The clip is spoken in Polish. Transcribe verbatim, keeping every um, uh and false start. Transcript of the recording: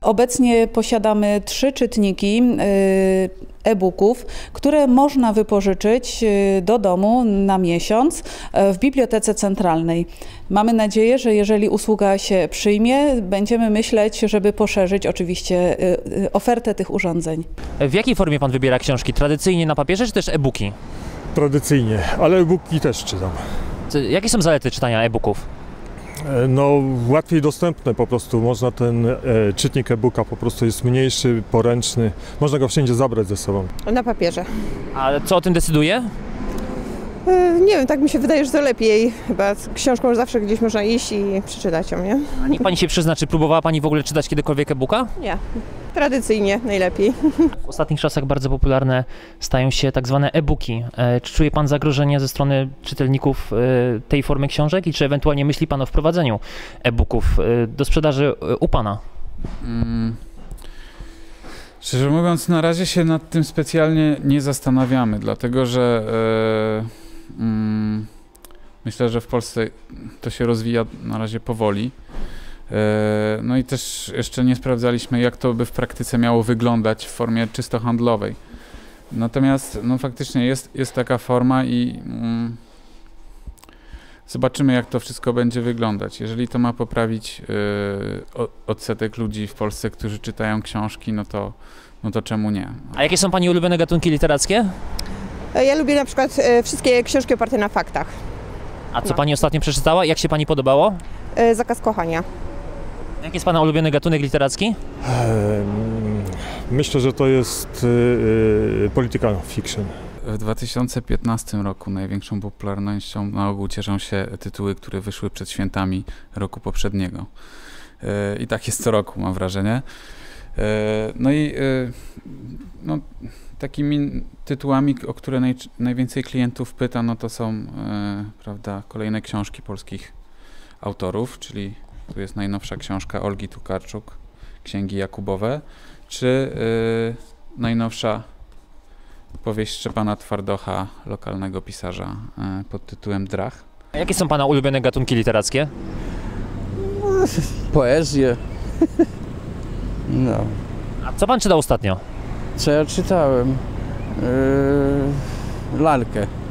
Obecnie posiadamy trzy czytniki e-booków, które można wypożyczyć do domu na miesiąc w Bibliotece Centralnej. Mamy nadzieję, że jeżeli usługa się przyjmie, będziemy myśleć, żeby poszerzyć oczywiście ofertę tych urządzeń. W jakiej formie pan wybiera książki? Tradycyjnie na papierze, czy też e-booki? Tradycyjnie, ale e-booki też czytam. Jakie są zalety czytania e-booków? No, łatwiej dostępne po prostu, można ten e, czytnik e-booka po prostu jest mniejszy, poręczny, można go wszędzie zabrać ze sobą. Na papierze. A co o tym decyduje? E, nie wiem, tak mi się wydaje, że to lepiej. Chyba z książką zawsze gdzieś można iść i przeczytać ją, nie? A niech pani się przyzna, czy próbowała pani w ogóle czytać kiedykolwiek e-booka? Nie, tradycyjnie najlepiej. W ostatnich czasach bardzo popularne stają się tak zwane e-booki. E, czy czuje pan zagrożenie ze strony czytelników e, tej formy książek i czy ewentualnie myśli pan o wprowadzeniu e-booków e, do sprzedaży e, u pana? Hmm. Szczerze mówiąc, na razie się nad tym specjalnie nie zastanawiamy, dlatego że e, mm, myślę, że w Polsce to się rozwija na razie powoli. No i też jeszcze nie sprawdzaliśmy, jak to by w praktyce miało wyglądać w formie czysto handlowej. Natomiast no faktycznie jest, jest taka forma i mm, zobaczymy, jak to wszystko będzie wyglądać. Jeżeli to ma poprawić yy, odsetek ludzi w Polsce, którzy czytają książki, no to, no to czemu nie? A jakie są pani ulubione gatunki literackie? Ja lubię na przykład e, wszystkie książki oparte na faktach. A co no. pani ostatnio przeczytała? Jak się pani podobało? E, Zakaz kochania. Jaki jest pana ulubiony gatunek literacki? Myślę, że to jest yy, political fiction. W dwa tysiące piętnastym roku największą popularnością na ogół cieszą się tytuły, które wyszły przed świętami roku poprzedniego. Yy, I tak jest co roku, mam wrażenie. Yy, no i yy, no, takimi tytułami, o które naj, najwięcej klientów pyta, no to są yy, prawda, kolejne książki polskich autorów, czyli tu jest najnowsza książka Olgi Tokarczuk, Księgi Jakubowe, czy yy, najnowsza powieść Szczepana Twardocha, lokalnego pisarza yy, pod tytułem Drach. A jakie są pana ulubione gatunki literackie? Poezję. No. A co pan czytał ostatnio? Co ja czytałem? Yy, lalkę.